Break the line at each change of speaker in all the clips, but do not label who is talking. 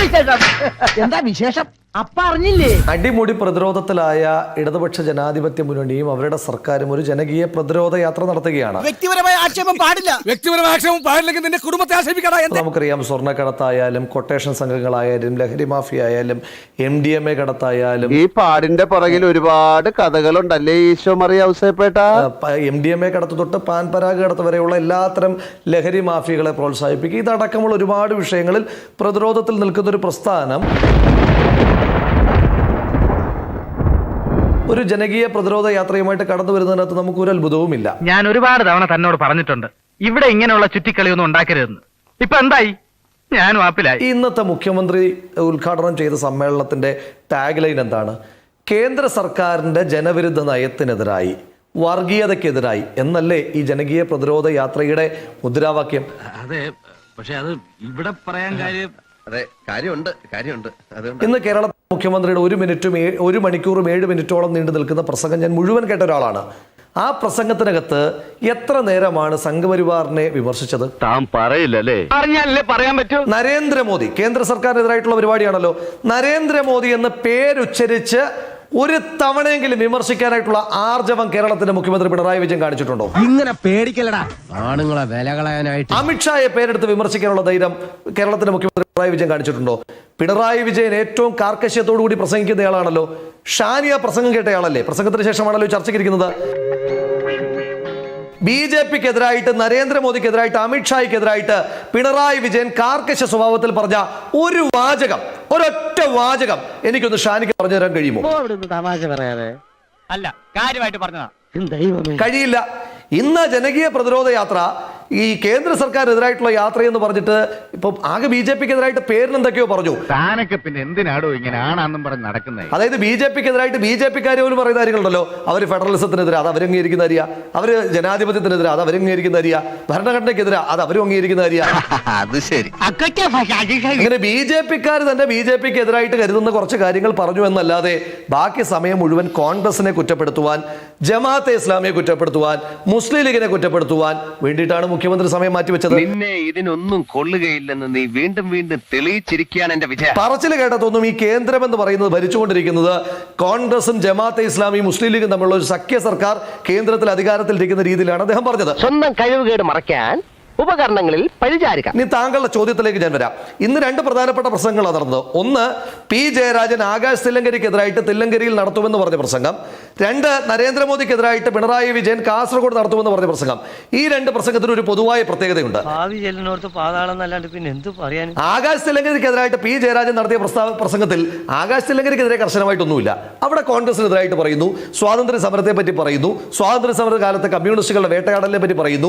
എന്താ വിശേഷം? അപ്പ അറിഞ്ഞില്ലേ?
അടിമുടി പ്രതിരോധത്തിലായ ഇടതുപക്ഷ ജനാധിപത്യ മുന്നണിയും അവരുടെ സർക്കാരും ഒരു ജനകീയ പ്രതിരോധ യാത്ര നടത്തുകയാണ്.
വ്യക്തിപരമായ ആക്ഷേപം പാടില്ല.
വ്യക്തിപരമായ ആക്ഷേപം പാടില്ലെങ്കിൽ നിന്റെ കുടുംബത്തെ ആക്ഷേപിക്കടാ.
നമുക്കറിയാം, സ്വർണ്ണക്കടത്തായാലും കൊട്ടേഷൻ സംഘങ്ങളായാലും ലഹരി മാഫിയ ആയാലും MDMA കടത്തായാലും
ഈ പാടിന്റെ പുറകിൽ ഒരുപാട് കഥകളുണ്ടല്ലേ ഈശോ മറിയ ഔസേപ്പേട്ട.
MDMA കടത്ത് തൊട്ട് പാൻ പരാഗ് കടത്ത് വരെയുള്ള എല്ലാത്തരം ലഹരി മാഫിയകളെ പ്രോത്സാഹിപ്പിക്കുക, ഇതടക്കമുള്ള ഒരുപാട് വിഷയങ്ങളിൽ പ്രതിരോധത്തിൽ നിൽക്കുന്ന ഒരു പ്രസ്ഥാനം ഒരു ജനകീയ പ്രതിരോധ യാത്രയുമായിട്ട് കടന്നു വരുന്നതിനകത്ത് നമുക്ക് ഒരു അത്ഭുതവുമില്ല.
ഞാൻ ഒരുപാട് തവണ തന്നോട് പറഞ്ഞിട്ടുണ്ട്, ഇവിടെ ഇങ്ങനെയുള്ള ചുറ്റിക്കളിയൊന്നും ഉണ്ടാക്കരുതെന്ന്. ഇപ്പൊ എന്തായി? ഞാൻ വാപ്പിലായി.
ഇന്നത്തെ മുഖ്യമന്ത്രി ഉദ്ഘാടനം ചെയ്ത സമ്മേളനത്തിന്റെ ടാഗ് ലൈൻ എന്താണ്? കേന്ദ്ര സർക്കാരിന്റെ ജനവിരുദ്ധ നയത്തിനെതിരായി, വർഗീയതയ്ക്കെതിരായി എന്നല്ലേ ഈ ജനകീയ പ്രതിരോധ യാത്രയുടെ മുദ്രാവാക്യം?
അതെ, പക്ഷെ അത് ഇവിടെ പറയാൻ കാര്യം.
അതെ, കാര്യമുണ്ട്.
ഇന്ന് കേരള മുഖ്യമന്ത്രിയുടെ 1 മണിക്കൂറും 7 മിനിറ്റോളം നീണ്ടു നിൽക്കുന്ന പ്രസംഗം ഞാൻ മുഴുവൻ കേട്ട ഒരാളാണ്. ആ പ്രസംഗത്തിനകത്ത് എത്ര നേരമാണ് സംഘപരിവാറിനെ വിമർശിച്ചത്?
താൻ പറയില്ലല്ലേ?
പറഞ്ഞാലല്ലേ പറയാൻ പറ്റൂ.
നരേന്ദ്രമോദി, കേന്ദ്ര സർക്കാരിനെതിരായിട്ടുള്ള പരിപാടിയാണല്ലോ. നരേന്ദ്രമോദി എന്ന് പേരുച്ചരിച്ച് ഒരു തവണയെങ്കിലും വിമർശിക്കാനായിട്ടുള്ള ആർജവം കേരളത്തിന്റെ മുഖ്യമന്ത്രി പിണറായി വിജയൻ കാണിച്ചിട്ടുണ്ടോ?
ഇങ്ങനെ പേടിക്കലടാ, ആണുങ്ങളെ വില കളയാനായിട്ട്.
അമിത്ഷായെ പേരെടുത്ത് വിമർശിക്കാനുള്ള ധൈര്യം കേരളത്തിന്റെ മുഖ്യമന്ത്രി പിണറായി വിജയൻ കാണിച്ചിട്ടുണ്ടോ? പിണറായി വിജയൻ ഏറ്റവും കാർക്കശ്യത്തോടു കൂടി പ്രസംഗിക്കുന്നയാളാണല്ലോ. ഷാനിയ പ്രസംഗം കേട്ടയാളല്ലേ? പ്രസംഗത്തിന് ശേഷമാണല്ലോ ചർച്ചയ്ക്കിരിക്കുന്നത്. BJPക്കെതിരായിട്ട്, നരേന്ദ്രമോദിക്കെതിരായിട്ട്, അമിത്ഷായ്ക്കെതിരായിട്ട് പിണറായി വിജയൻ കാർക്കശ സ്വഭാവത്തിൽ പറഞ്ഞ ഒരു വാചകം, ഒരൊറ്റ വാചകം എനിക്കൊന്ന് ഷാനിക്ക് പറഞ്ഞു തരാൻ കഴിയുമോ?
തമാശ പറയാതെ
അല്ല, കാര്യമായിട്ട് പറഞ്ഞതാ.
കഴിയില്ല. ഇന്ന് ജനകീയ പ്രതിരോധ യാത്ര ഈ കേന്ദ്ര സർക്കാരിനെതിരായിട്ടുള്ള യാത്രയെന്ന് പറഞ്ഞിട്ട് ഇപ്പൊ ആകെ BJPക്കെതിരായിട്ട് പേരിന് എന്തൊക്കെയോ പറഞ്ഞു.
താനൊക്കെ പിന്നെ എന്തിനാടോ ഇങ്ങനെ ആണാന്നും പറഞ്ഞ് നടക്കുന്നത്?
അതായത് BJPക്കെതിരായിട്ട് BJPക്കാരെ പോലും പറയുന്ന കാര്യങ്ങളുണ്ടല്ലോ. അവര് ഫെഡറലിസത്തിനെതിരെ, അത് അവരംഗീകരിക്കുന്ന അറിയാ. അവര് ജനാധിപത്യത്തിനെതിരെ, അത് അവരംഗീകരിക്കുന്ന അറിയാ. ഭരണഘടനയ്ക്കെതിരെ, അത് അവരും അംഗീകരിക്കുന്ന അറിയാ.
അത് ശരി.
അങ്ങനെ BJPക്കാർ തന്നെ BJPക്കെതിരായിട്ട് കരുതുന്ന കുറച്ച് കാര്യങ്ങൾ പറഞ്ഞു എന്നല്ലാതെ ബാക്കി സമയം മുഴുവൻ കോൺഗ്രസിനെ കുറ്റപ്പെടുത്തുവാൻ, ജമാഅത്തെ ഇസ്ലാമിയെ കുറ്റപ്പെടുത്തുവാൻ, മുസ്ലിം ലീഗിനെ കുറ്റപ്പെടുത്തുവാൻ വേണ്ടിയിട്ടാണ് മുഖ്യമന്ത്രി സമയം മാറ്റിവെച്ചത്.
നിന്നെ ഇതിനൊന്നും കൊള്ളുകയില്ലെന്ന് നീ വീണ്ടും വീണ്ടും തെളിയിച്ചിരിക്കുകയാണ് എന്റെ വിജയം.
പറച്ചിൽ കേട്ടതൊന്നും ഈ കേന്ദ്രം എന്ന് പറയുന്നത് ഭരിച്ചുകൊണ്ടിരിക്കുന്നത് കോൺഗ്രസും ജമാഅത്തെ ഇസ്ലാമിയും മുസ്ലിം ലീഗും തമ്മിലുള്ള ഒരു സഖ്യ സർക്കാർ കേന്ദ്രത്തിൽ അധികാരത്തിലിരിക്കുന്ന രീതിയിലാണ് അദ്ദേഹം പറഞ്ഞത്.
സ്വന്തം കഴിവുകേട് മറയ്ക്കാൻ ഉപകരണങ്ങളിൽ പഴിചാരുക.
ഇനി താങ്കളുടെ ചോദ്യത്തിലേക്ക് ഞാൻ വരാം. ഇന്ന് 2 പ്രധാനപ്പെട്ട പ്രസംഗങ്ങളാണ് നടന്നത്. ഒന്ന്, P ജയരാജൻ ആകാശ് തില്ലങ്കരിക്കെതിരായിട്ട് തില്ലങ്കരിയിൽ നടത്തുമെന്ന് പറഞ്ഞ പ്രസംഗം. 2, നരേന്ദ്രമോദിക്കെതിരായിട്ട് പിണറായി വിജയൻ കാസർഗോഡ് നടത്തുമെന്ന് പറഞ്ഞ പ്രസംഗം. ഈ 2 പ്രസംഗത്തിന് ഒരു പൊതുവായ പ്രത്യേകതയുണ്ട്. ആകാശ് തില്ലങ്കരിക്കെതിരായിട്ട് P ജയരാജൻ നടത്തിയ പ്രസംഗത്തിൽ ആകാശ് തില്ലങ്കരിക്കെതിരെ കർശനമായിട്ടൊന്നുമില്ല. അവിടെ കോൺഗ്രസിനെതിരായിട്ട് പറയുന്നു, സ്വാതന്ത്ര്യ സമരത്തെ പറ്റി പറയുന്നു, സ്വാതന്ത്ര്യ സമര കാലത്തെ കമ്മ്യൂണിസ്റ്റുകളുടെ വേട്ടയാടലിനെ പറ്റി പറയുന്നു,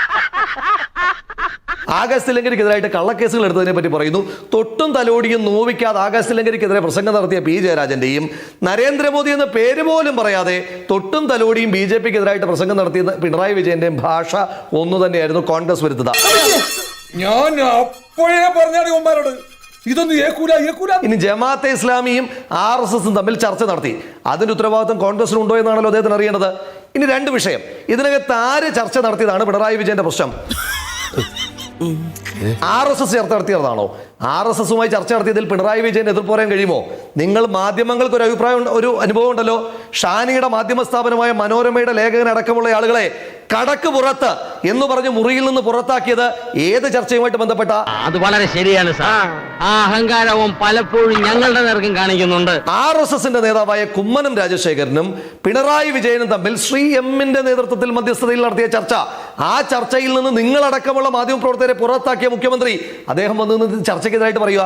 ആകാശ് തില്ലങ്കരിക്കെതിരായിട്ട് കള്ളക്കേസുകൾ എടുത്തതിനെ പറ്റി പറയുന്നു. തൊട്ടും തലോടിയും നോവിക്കാതെ ആകാശ് തില്ലങ്കരിക്കെതിരെ പ്രസംഗം നടത്തിയ P ജയരാജന്റെയും നരേന്ദ്രമോദി എന്ന പേര് പോലും പറയാതെ തൊട്ടും തലോടിയും BJPക്കെതിരായിട്ട് പ്രസംഗം നടത്തിയ പിണറായി വിജയന്റെയും ഭാഷ ഒന്നു തന്നെയായിരുന്നു കോൺഗ്രസ് വരുത്തുക.
ഞാൻ അപ്പോഴേ പറഞ്ഞാണ് ഇവന്മാരോട് ഇതൊന്നും ഏക്കൂല.
ഇനി ജമാഅത്തെ ഇസ്ലാമിയും RSSും തമ്മിൽ ചർച്ച നടത്തി. അതിന്റെ ഉത്തരവാദിത്വം കോൺഗ്രസിനുണ്ടോ എന്നാണല്ലോ അദ്ദേഹത്തിന് അറിയേണ്ടത്. ഇനി 2 വിഷയം. ഇതിനകത്ത് ആര് ചർച്ച നടത്തിയതാണ് പിണറായി വിജയന്റെ പ്രശ്നം? RSS ചർച്ച നടത്തിയതാണോ? RSSുമായി ചർച്ച നടത്തിയതിൽ പിണറായി വിജയൻ എതിർപ്പ് പറയാൻ കഴിയുമോ? നിങ്ങൾ മാധ്യമങ്ങൾക്ക് ഒരു അഭിപ്രായം, ഒരു അനുഭവം ഉണ്ടല്ലോ. ഷാനിയുടെ മാധ്യമ സ്ഥാപനമായ മനോരമയുടെ ലേഖകൻ അടക്കമുള്ള ആളുകളെ കടക്ക് പുറത്ത് എന്ന് പറഞ്ഞ് മുറിയിൽ നിന്ന് പുറത്താക്കിയത് ഏത് ചർച്ചയുമായിട്ട് ബന്ധപ്പെട്ട?
അത് വളരെ ശരിയാണ് സാർ. ആ അഹങ്കാരവും പലപ്പോഴും ഞങ്ങളുടെ നേർക്കും കാണിക്കുന്നുണ്ട്.
RSSന്റെ നേതാവായ കുമ്മനം രാജശേഖരനും പിണറായി വിജയനും തമ്മിൽ ശ്രീ എമ്മിന്റെ നേതൃത്വത്തിൽ മധ്യസ്ഥതയിൽ നടത്തിയ ചർച്ച, ആ ചർച്ചയിൽ നിന്ന് നിങ്ങളടക്കമുള്ള മാധ്യമപ്രവർത്തകരെ പുറത്താക്കിയ മുഖ്യമന്ത്രി അദ്ദേഹം വന്ന് ചർച്ചയ്ക്കെതിരായിട്ട് പറയുക.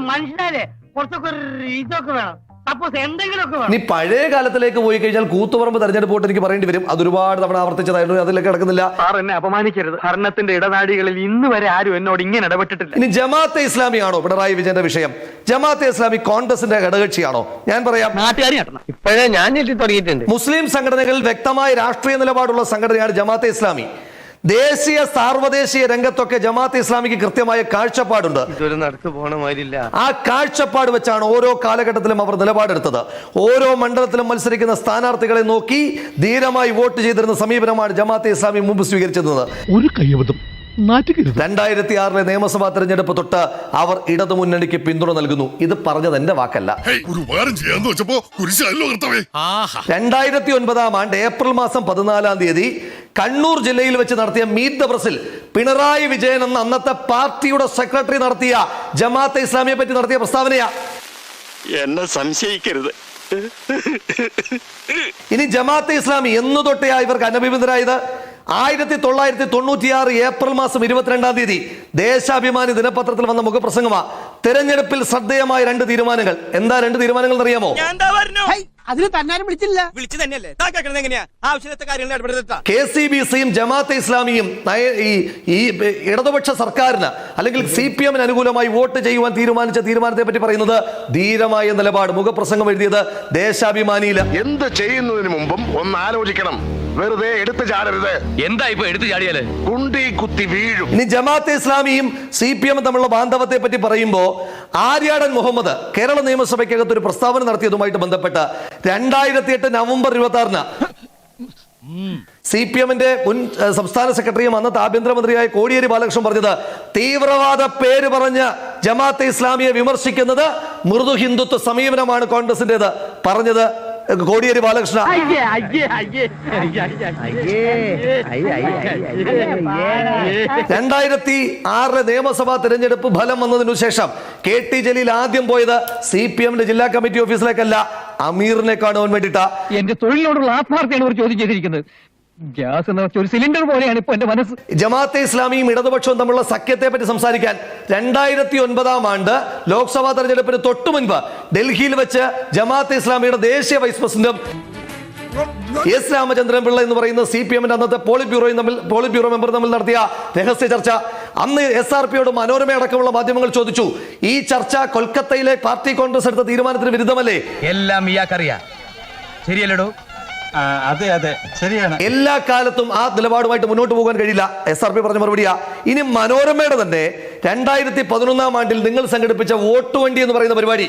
നീ പഴയ കാലത്തിലേക്ക് പോയി കഴിഞ്ഞാൽ കൂത്തുപറമ്പ് തെരഞ്ഞെടുപ്പ് വോട്ട് എനിക്ക് പറയേണ്ടി വരും. അത് ഒരുപാട് തവണ ആവർത്തിച്ചതായിരുന്നു, അതിലേക്ക് കിടക്കുന്നില്ല.
എന്നെ അപമാനിക്കരുത്. ഭരണത്തിന്റെ ഇടനാഴികളിൽ ഇന്ന് വരെ ആരും എന്നോട് ഇങ്ങനെ ഇടപെട്ടിട്ടില്ല.
ഇനി ജമാഅത്തെ ഇസ്ലാമിയാണോ പിണറായി വിജയന്റെ വിഷയം? ജമാഅത്തെ ഇസ്ലാമി കോൺഗ്രസിന്റെ ഘടകകക്ഷിയാണോ? ഞാൻ പറയാം,
ഇപ്പോഴേ ഞാൻ തുടങ്ങിയിട്ടുണ്ട്.
മുസ്ലിം സംഘടനകളിൽ വ്യക്തമായ രാഷ്ട്രീയ നിലപാടുള്ള സംഘടനയാണ് ജമാഅത്തെ ഇസ്ലാമി. ദേശീയ സാർവദേശീയ രംഗത്തൊക്കെ ജമാഅത്തെ ഇസ്ലാമിക്ക് കൃത്യമായ കാഴ്ചപ്പാടുണ്ട്.
ഇതൊരു നടക്ക് പോണ മാതിരില്ല.
ആ കാഴ്ചപ്പാട് വെച്ചാണ് ഓരോ കാലഘട്ടത്തിലും അവർ നിലപാടെടുത്തത്. ഓരോ മണ്ഡലത്തിലും മത്സരിക്കുന്ന സ്ഥാനാർത്ഥികളെ നോക്കി ധീരമായി വോട്ട് ചെയ്തിരുന്ന സമീപനമാണ് ജമാഅത്തെ ഇസ്ലാമി മുമ്പ് സ്വീകരിച്ചിരുന്നത്.
ഒരു കയ്യബദ്ധം
2006 നിയമസഭാ തെരഞ്ഞെടുപ്പ് തൊട്ട് അവർ ഇടതുമുന്നണിക്ക് പിന്തുണ നൽകുന്നു. ഇത് പറഞ്ഞത് എന്റെ വാക്കല്ല.
ഒരു ഉപകാരം ചെയ്യാന്ന് വെച്ചപ്പോ കുരിശല്ലോ കർത്താവേ.
2009 ഏപ്രിൽ മാസം 14 കണ്ണൂർ ജില്ലയിൽ വെച്ച് നടത്തിയ മീറ്റ് ദ പ്രസിൽ പിണറായി വിജയൻ എന്ന അന്നത്തെ പാർട്ടിയുടെ സെക്രട്ടറി നടത്തിയ ജമാഅത്തെ ഇസ്ലാമിയെ പറ്റി നടത്തിയ പ്രസ്താവനയാ.
എന്നെ സംശയിക്കരുത്.
ഇനി ജമാഅത്തെ ഇസ്ലാമി എന്നു തൊട്ടയാ ഇവർക്ക് അനഭിബന്ധരായത്? 1996 ഏപ്രിൽ മാസം 22 ദേശാഭിമാനി ദിനപത്രത്തിൽ വന്ന മുഖപ്രസംഗമാ. തെരഞ്ഞെടുപ്പിൽ ശ്രദ്ധേയമായ 2 തീരുമാനങ്ങൾ. എന്താ 2 തീരുമാനങ്ങൾ എന്നറിയാമോ?
അതിന് തന്നാരും വിളിച്ചില്ല. വിളിച്ചു തന്നെയല്ലേ എങ്ങനെയാ ആവശ്യത്തെ കാര്യങ്ങൾ ഇടപെടുത്താ.
KCBCയും ജമാഅത്തെ ഇസ്ലാമിയും ഈ ഇടതുപക്ഷ സർക്കാരിന് അല്ലെങ്കിൽ CPM അനുകൂലമായി വോട്ട് ചെയ്യുവാൻ തീരുമാനിച്ച തീരുമാനത്തെ പറ്റി പറയുന്നത് ധീരമായ നിലപാട്. മുഖപ്രസംഗം എഴുതിയത് ദേശാഭിമാനിയില്.
എന്ത് ചെയ്യുന്നതിന് മുമ്പും ഒന്ന് ആലോചിക്കണം. വെറുതെ എടുത്തു ചാടരുത്.
എന്താ ഇപ്പൊ എടുത്തു ചാടിയാല്
കുണ്ടി കുത്തി വീഴും.
ഇനി ജമാഅത്തെ ഇസ്ലാമിയും CPM തമ്മിലുള്ള ബാന്ധവത്തെ പറ്റി പറയുമ്പോ ആര്യാടൻ മുഹമ്മദ് കേരള നിയമസഭയ്ക്കകത്ത് ഒരു പ്രസ്താവന നടത്തിയതുമായിട്ട് ബന്ധപ്പെട്ട് 2008 നവംബർ 26 CPMന്റെ മുൻ സംസ്ഥാന സെക്രട്ടറിയും അന്നത്തെ ആഭ്യന്തരമന്ത്രിയായ കോടിയേരി ബാലകൃഷ്ണൻ പറഞ്ഞത് തീവ്രവാദ പേര് പറഞ്ഞ് ജമാഅത്തെ ഇസ്ലാമിയെ വിമർശിക്കുന്നത് മൃദു ഹിന്ദുത്വ സമീപനമാണ് കോൺഗ്രസിന്റേത് പറഞ്ഞത് കോടിയേരി ബാലകൃഷ്ണ. 2006 നിയമസഭാ തെരഞ്ഞെടുപ്പ് ഫലം വന്നതിനു ശേഷം KT ജലീൽ ആദ്യം പോയത് CPMന്റെ ജില്ലാ കമ്മിറ്റി ഓഫീസിലേക്കല്ല, അമീറിനെ കാണുവാൻ വേണ്ടിയിട്ടാ.
എന്റെ തൊഴിലിനോടുള്ള ആത്മാർത്ഥയാണ് ഒരു ചോദ്യം ചെയ്തിരിക്കുന്നത്. ഗ്യാസ് എന്ന ഒരു സിലിണ്ടർ പോലെയാണ് ഇപ്പൊ എന്റെ മനസ്സ്.
ജമാഅത്തെ ഇസ്ലാമിയും ഇടതുപക്ഷവും തമ്മിലുള്ള സഖ്യത്തെ പറ്റി സംസാരിക്കാൻ 2009 ലോക്സഭാ തെരഞ്ഞെടുപ്പിന് തൊട്ടു മുൻപ് ഡൽഹിയിൽ വെച്ച് ജമാഅത്തെ ഇസ്ലാമിയുടെ ദേശീയ വൈസ് പ്രസിഡന്റും S രാമചന്ദ്രൻ പിള്ള എന്ന് പറയുന്ന CPMന്റെ അന്നത്തെ പോളിറ്റ് ബ്യൂറോ മെമ്പർ തമ്മിൽ നടത്തിയ രഹസ്യ ചർച്ച. അന്ന് SRPയോട് മനോരമ അടക്കമുള്ള മാധ്യമങ്ങൾ ചോദിച്ചു, ഈ ചർച്ച കൊൽക്കത്തയിലെ പാർട്ടി കോൺഗ്രസ് എടുത്ത തീരുമാനത്തിന് വിരുദ്ധമല്ലേ?
എല്ലാം ഇയാൾക്കറിയാം, ശരിയല്ലടോ?
അതെ അതെ ശരിയാണ്.
എല്ലാ കാലത്തും ആ നിലപാടുമായിട്ട് മുന്നോട്ട് പോകാൻ കഴിയില്ല. SRP പറഞ്ഞ മറുപടിയാ. ഇനി മനോരമയുടെ തന്നെ 2011 നിങ്ങൾ സംഘടിപ്പിച്ച വോട്ട് വണ്ടി എന്ന് പറയുന്ന പരിപാടി,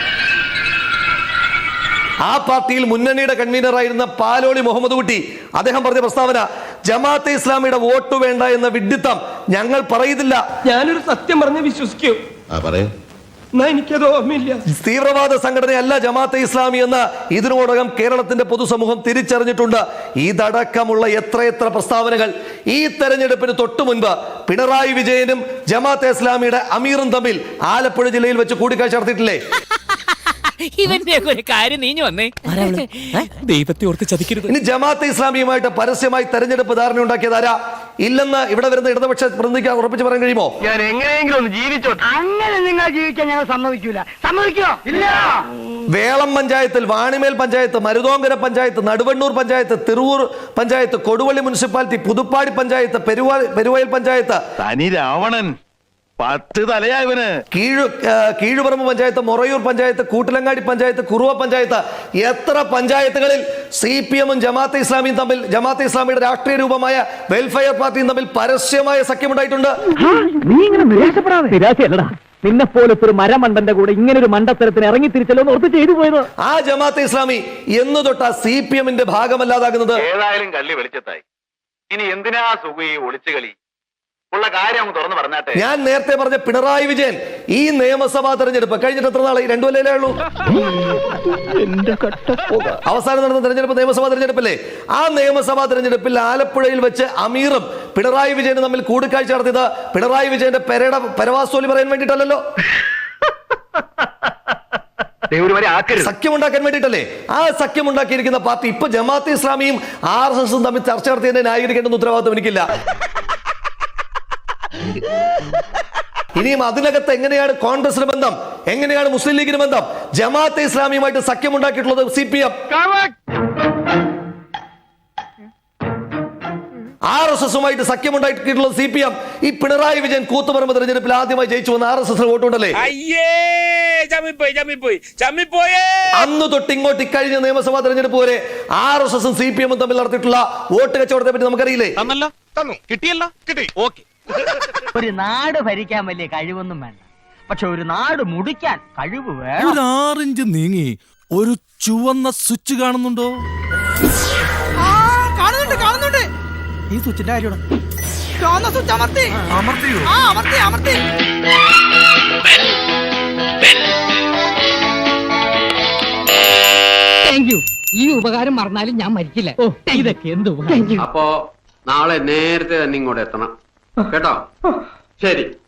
ആ പാർട്ടിയിൽ മുന്നണിയുടെ കൺവീനറായിരുന്ന പാലോളി മുഹമ്മദ് കുട്ടി അദ്ദേഹം പറഞ്ഞ പ്രസ്താവന, ജമാഅത്തെ ഇസ്ലാമിയുടെ വോട്ട് വേണ്ട എന്ന വിഡ്ഢിത്തം ഞങ്ങൾ പറയുന്നില്ല.
ഞാനൊരു സത്യം പറഞ്ഞ് വിശ്വസിക്കൂ. എനിക്കത് ഓർമ്മയില്ല.
തീവ്രവാദ സംഘടനയല്ല ജമാഅത്തെ ഇസ്ലാമി എന്ന് ഇതിനോടകം കേരളത്തിന്റെ പൊതുസമൂഹം തിരിച്ചറിഞ്ഞിട്ടുണ്ട്. ഇതടക്കമുള്ള എത്രയെത്ര പ്രസ്താവനകൾ. ഈ തെരഞ്ഞെടുപ്പിന് തൊട്ടു മുൻപ് പിണറായി വിജയനും ജമാഅത്തെ ഇസ്ലാമിയുടെ അമീറും തമ്മിൽ ആലപ്പുഴ ജില്ലയിൽ വെച്ച് കൂടിക്കാഴ്ച നടത്തിയിട്ടില്ലേ?
ഇവന്റെ ഒരു കാര്യം നീഞ്ഞു വന്നേ. ദൈവത്തെ ഓർത്ത് ചതിക്കരുത്.
ഇനി ജമാഅത്തെ ഇസ്ലാമിയുമായിട്ട് പരസ്യമായി തെരഞ്ഞെടുപ്പ് ധാരണ ഉണ്ടാക്കിയതാരാ? ഇല്ലെന്ന് ഇവിടെ വരുന്ന ഇടതുപക്ഷ പ്രതിനിധിക്ക് ഉറപ്പിച്ച് പറയാൻ കഴിയുമോ?
ഞാൻ എങ്ങനെയെങ്കിലും ഒന്ന് ജീവിച്ചോട്ടെ.
അങ്ങനെ നിങ്ങൾ ജീവിക്കാൻ ഞങ്ങൾ സമ്മതിക്കൂല. സമ്മതിക്കോ? ഇല്ല.
വേളം പഞ്ചായത്തിൽ, വാണിമേൽ പഞ്ചായത്ത്, മരുതോങ്കര പഞ്ചായത്ത്, നടുവണ്ണൂർ പഞ്ചായത്ത്, തിരുവൂർ പഞ്ചായത്ത്, കൊടുവള്ളി മുനിസിപ്പാലിറ്റി, പുതുപ്പാടി പഞ്ചായത്ത്, പെരുവയൽ പഞ്ചായത്ത്,
തനി രാവണൻ 10 തലയാ ഇവന്.
കീഴുപറമ്പ് പഞ്ചായത്ത്, മൊറയൂർ പഞ്ചായത്ത്, കൂട്ടിലങ്ങാടി പഞ്ചായത്ത്, കുറുവ പഞ്ചായത്ത്, എത്ര പഞ്ചായത്തുകളിൽ CPMും ജമാഅത്തെ ഇസ്ലാമിയും തമ്മിൽ, ജമാഅത്തെ ഇസ്ലാമിയുടെ രാഷ്ട്രീയ രൂപമായ വെൽഫെയർ പാർട്ടിയും തമ്മിൽ പരസ്യമായ സഖ്യമുണ്ടായിട്ടുണ്ട്.
നീ ഇങ്ങനെ നിരാശപ്പെടാതെ. നിരാശയല്ലടാ, നിന്നെ പോലത്തെ ഒരു മരമണ്ടന്റെ കൂടെ ഇങ്ങനെ ഒരു മണ്ടത്തരത്തിന് ഇറങ്ങി തിരിച്ചല്ലോ ഓർത്ത് ചെയ്തു പോയത്.
ആ ജമാഅത്തെ ഇസ്ലാമി എന്ന് തൊട്ടാ CPMന്റെ ഭാഗമല്ലാതാകുന്നത്?
ഏതായാലും കള്ളി വെളിച്ചത്തായി. ഇനി എന്തിനാ സുഖി ഒളിച്ചു കളി? ഉള്ള കാര്യം തുറന്നു പറഞ്ഞാട്ടെ.
ഞാൻ നേരത്തെ പറഞ്ഞ പിണറായി വിജയൻ ഈ നിയമസഭാ തെരഞ്ഞെടുപ്പ് കഴിഞ്ഞിട്ട് എത്ര നാളായി? 2 കൊല്ലമല്ലേ ഉള്ളൂ. അവസാനം നടന്ന തെരഞ്ഞെടുപ്പ് നിയമസഭാ തെരഞ്ഞെടുപ്പല്ലേ? ആ നിയമസഭാ തെരഞ്ഞെടുപ്പിൽ ആലപ്പുഴയിൽ വെച്ച് അമീറും പിണറായി വിജയനും തമ്മിൽ കൂടിക്കാഴ്ച നടത്തിയത് പിണറായി വിജയന്റെ പരവാസോലി പറയാൻ വേണ്ടിയിട്ടല്ലോ, സഖ്യമുണ്ടാക്കാൻ വേണ്ടിയിട്ടല്ലേ? ആ സഖ്യമുണ്ടാക്കിയിരിക്കുന്ന പാർട്ടി ഇപ്പൊ ജമാഅത്തെ ഇസ്ലാമിയും RSSും തമ്മിൽ ചർച്ച നടത്തിയതിനെ ന്യായീകരിക്കേണ്ട ഉത്തരവാദിത്വം എനിക്കില്ല. ഇനിയും അതിനകത്ത് എങ്ങനെയാണ് കോൺഗ്രസിന് ബന്ധം, എങ്ങനെയാണ് മുസ്ലിം ലീഗിന് ബന്ധം? Jamaat-e ഇസ്ലാമിയുമായിട്ട് സഖ്യമുണ്ടാക്കിയിട്ടുള്ളത് CPM, RSSുമായിട്ട് സഖ്യമുണ്ടാക്കിയിട്ടുള്ളത് CPM. ഈ പിണറായി വിജയൻ കൂത്തുപറമ്പ് തെരഞ്ഞെടുപ്പിൽ ആദ്യമായി ജയിച്ചു വന്ന RSSന് വോട്ടുണ്ടല്ലേ? അന്ന് തൊട്ട് ഇങ്ങോട്ട് ഇക്കഴിഞ്ഞ നിയമസഭാ തെരഞ്ഞെടുപ്പ് വരെ RSSും CPMും തമ്മിൽ നടത്തിയിട്ടുള്ള വോട്ട് കച്ചവടത്തെ പറ്റി നമുക്കറിയില്ലേ?
ഒരു നാട് ഭരിക്കാൻ വലിയ കഴിവൊന്നും വേണ്ട, പക്ഷെ ഒരു നാട് മുടിക്കാൻ കഴിവ് വേണം.
ഒരു 6 ഇഞ്ച് നീങ്ങി ഒരു ചുവന്ന സ്വിച്ച് കാണുന്നുണ്ടോ?
കാണുന്നുണ്ട്. ഈ സ്വിച്ചിന്റെ കാര്യമാണ്.
ഈ ഉപകാരം മറന്നാലും ഞാൻ മരിക്കില്ല. ഇതൊക്കെ എന്ത്
അപ്പോ നാളെ നേരത്തെ തന്നെ ഇങ്ങോട്ട് എത്തണം കേട്ടോ. ശരി.